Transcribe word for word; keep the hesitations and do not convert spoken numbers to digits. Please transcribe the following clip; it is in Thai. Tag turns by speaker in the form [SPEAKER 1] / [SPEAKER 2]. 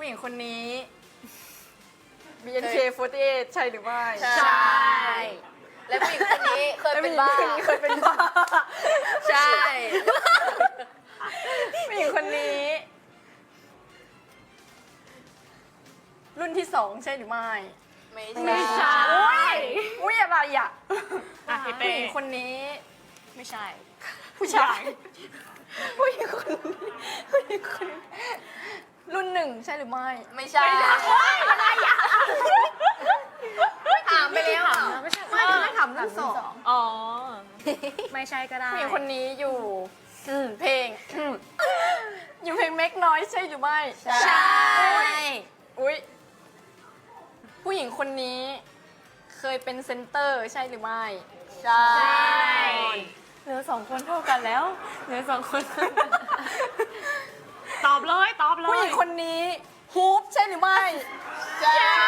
[SPEAKER 1] ญิงคนนี้ บี เอ็น เค โฟร์ตี้เอท ใช่หรือไม่
[SPEAKER 2] ใช่ และผู้หญิงคนนี้เคยเป็นบ้า
[SPEAKER 1] ผู้หญิงคนนี้เคยเป็นบ้า
[SPEAKER 2] ใช่
[SPEAKER 1] ผู้หญิงคนนี้ รุ่นที่สองใช่หรือไม่
[SPEAKER 2] ไม่
[SPEAKER 3] ไม่ใช่
[SPEAKER 1] อุ้ยอุ้ยอะไรอ่ะ
[SPEAKER 3] อ่ะพี่
[SPEAKER 1] ผู้
[SPEAKER 3] เป้
[SPEAKER 1] หญิงคนนี้
[SPEAKER 3] ไม่ใช่
[SPEAKER 1] ผู้ชายผู้หญิงคนนี้ผู้หญิงคนนี้รุ่นหนึ่งใช่หรือไม่
[SPEAKER 2] ไม่ใช่อะไรอ่ะถามไปแล้วอ่ะ
[SPEAKER 3] ไม่ใช่
[SPEAKER 1] ไม่ไม่ถามรุ่นสอง
[SPEAKER 3] อ๋อ ไม่ใช่ก็ได้
[SPEAKER 1] ผู้หญิงคนนี้อยู่เพลง อยู่เพลงเมกน้อยใช่หรือไม่
[SPEAKER 2] ใช่
[SPEAKER 1] อุ้ยผู้หญิงคนนี้เคยเป็นเซนเตอร์ใช่หรือไม่
[SPEAKER 2] ใช่
[SPEAKER 1] เหลือสองคนเท่ากันแล้วเหลือสองคน
[SPEAKER 3] ตอบเลยตอบเลย
[SPEAKER 1] ผู้หญิงคนนี้ฮูปใช่หรือไม่
[SPEAKER 2] ใช่